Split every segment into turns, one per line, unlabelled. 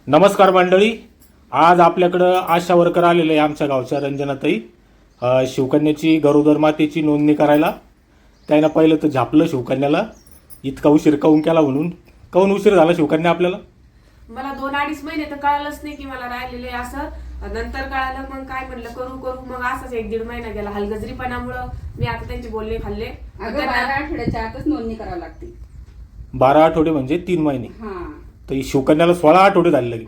नमस्कार मंडळी. आज आपल्याकडं आशा वर्कर आलेले आहे आमच्या गावच्या रंजनाताई. शिवकन्याची गरोदर मातेची नोंदणी करायला. त्यानं पहिलं तर झापलं शिवकन्याला, इतका उशीर काऊन केला म्हणून. काऊन उशीर झाला शिवकन्या आपल्याला?
मला 2-2.5 महिने तर कळालंच नाही की मला राहिलेले असं. नंतर कळालं, मग काय म्हणलं करू मग असंच 1-1.5 महिना गेला. हलगजरीपणामुळं मी आता त्यांचे बोलणे खाल्ले.
12 आठवड्याच्या आतच नोंदणी करावी लागते.
12 आठवडे म्हणजे 3 महिने.
हा
तर शिवकन्याला 16 आठवडे झाले लगे.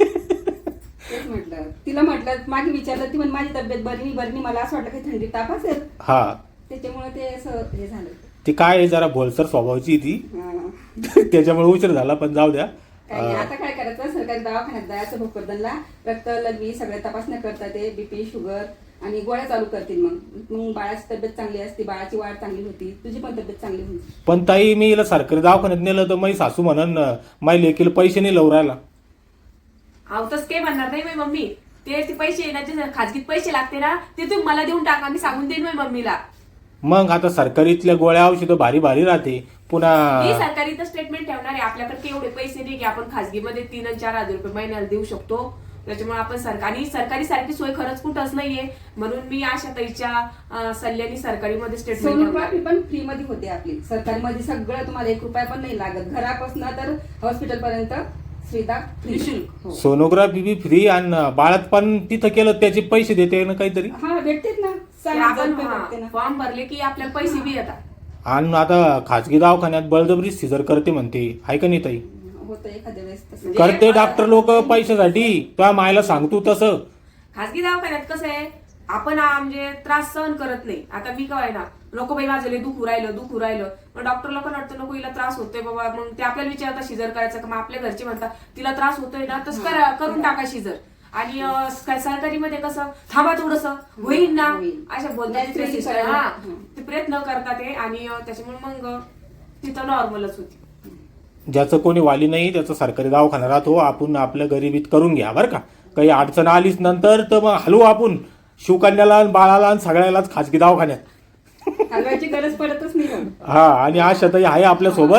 तेच म्हटलं, तिला म्हटलं मागे विचारलं, ती म्हण माझी तब्येत बरी नाही, मला असं वाटलं की थंडी ताप असेल.
हा,
त्याच्यामुळे ते असं हे झालं.
ती काय आहे, जरा भोलसर स्वभावाची ती.
हा.
त्याच्यामुळे उशीर झाला, पण जाऊ द्या.
काही नाही, आता काय करायचं, सरकारी दवाखान्यात जायचं, भोकरदनला रक्त लघवी सगळ्या तपासण्या करतात, ते बीपी शुगर आणि गोळ्या चालू करतील. मग बाळाची तब्येत चांगली असते, बाळाची वाढ चांगली होती, तुझी पण तब्येत चांगली होती.
पण ताई, मी हिला सरकारी दवाखान्यात नेलं तर माझी सासू म्हणन माझ्या लेकीला पैसे नाही लावून राहिला.
आवतच काय म्हणणार नाही माझी मम्मी. ते पैसे येण्याचे खाजगीत पैसे लागते ना, ते तुम्ही मला देऊन टाका, मी सांगून देईन माझ्या मम्मीला.
मग आता सरकारीतल्या गोळ्या औषधं भारी भारी राहते. पुन्हा
मी सरकारी तर स्टेटमेंट ठेवणार आहे. आपल्याकडे एवढे पैसे नाही की आपण खाजगीमध्ये 3 आणि 4 हजार रुपये महिन्याला देऊ शकतो. त्याच्यामुळे आपण सरकारी सारखी सोय खरंच कुठंच नाहीये. म्हणून मी आशाताईच्या सल्ल्याने सरकारीमध्ये स्टेटमेंट.
सोनोग्राफी पण फ्री मध्ये होते आपली. सरकारी मध्ये सगळं तुम्हाला 1 रुपया पण नाही लागत. घरापासून तर हॉस्पिटल पर्यंत सुविधा निःशुल्क.
सोनोग्राफी बी फ्री. आणि बाळात पण तिथं केलं त्याचे पैसे देते ना काहीतरी.
हा, भेटतेच ना.
आपण फॉर्म भरले की आपल्याला पैसे बी येतात.
आणि आता खाजगी दवाखान्यात बळजबरी सिजर करते म्हणते, आहे का नाही ताई?
होतं एखाद्या वेळेस तसं.
करते डॉक्टर लोक पैशासाठी. तुझ्या मायला सांगतो तसं.
खाजगी दवाखान्यात कसं आहे, आपण म्हणजे त्रास सहन करत नाही. आता मी काय ना, नको बाई माझं लय दुखू राहिलं. मग डॉक्टर लोक वाटतं नको हिला त्रास होतोय बाबा. मग ते आपल्याला विचारतात शिजर करायचं का. मग आपल्या घरचे म्हणतात तिला त्रास होतोय ना, तसं करून टाका शिजर. आणि सरकारी मध्ये कसं, थांबा थोडस होईल ना अशा बोलतात. हा, ते प्रयत्न करतात ते. आणि त्याच्यामुळे मग तिथं नॉर्मलच होती.
ज्याचं कोणी वाली नाही त्याचं सरकारी दवाखाना राहतो. आपण आपल्या गरिबीत करून घ्या बरं का. काही अडचण आलीच नंतर तर मग हलवू आपण शिवकन्याला, बाळाला आणि सगळ्यालाच खाजगी दवाखान्यात.
हलवायची गरज पडतच नाही.
हा, आणि आशाताई आहे आपल्या सोबत.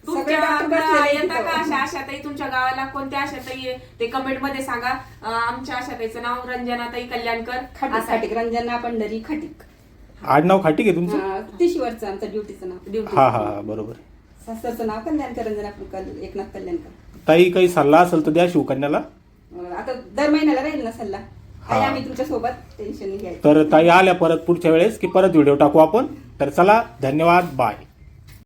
येता का आशाताई तुमच्या गावाला? कोणत्या आशाताई आहे ते कमेंट मध्ये सांगा. आमच्या आशाताईचं नाव रंजनाताई कल्याणकर.
खाटीक, रंजना पंढरी खाटीक.
आडनाव खाटीक आहे तुमचं?
तिशीवरचं आमचं ड्युटीचं नाव.
हा, बरोबर.
सासरचं नाव कल्याणकर, रंजना एकनाथ कल्याणकर.
ताई, काही सल्ला असेल तर द्या शिवकन्याला.
आता दर महिन्याला राहील ना सल्ला. आहे आम्ही तुमच्या सोबत, टेन्शन नाही घ्यायचं.
तर ताई आल्या परत पुढच्या वेळेस की परत व्हिडिओ टाकू आपण. तर चला, धन्यवाद, बाय.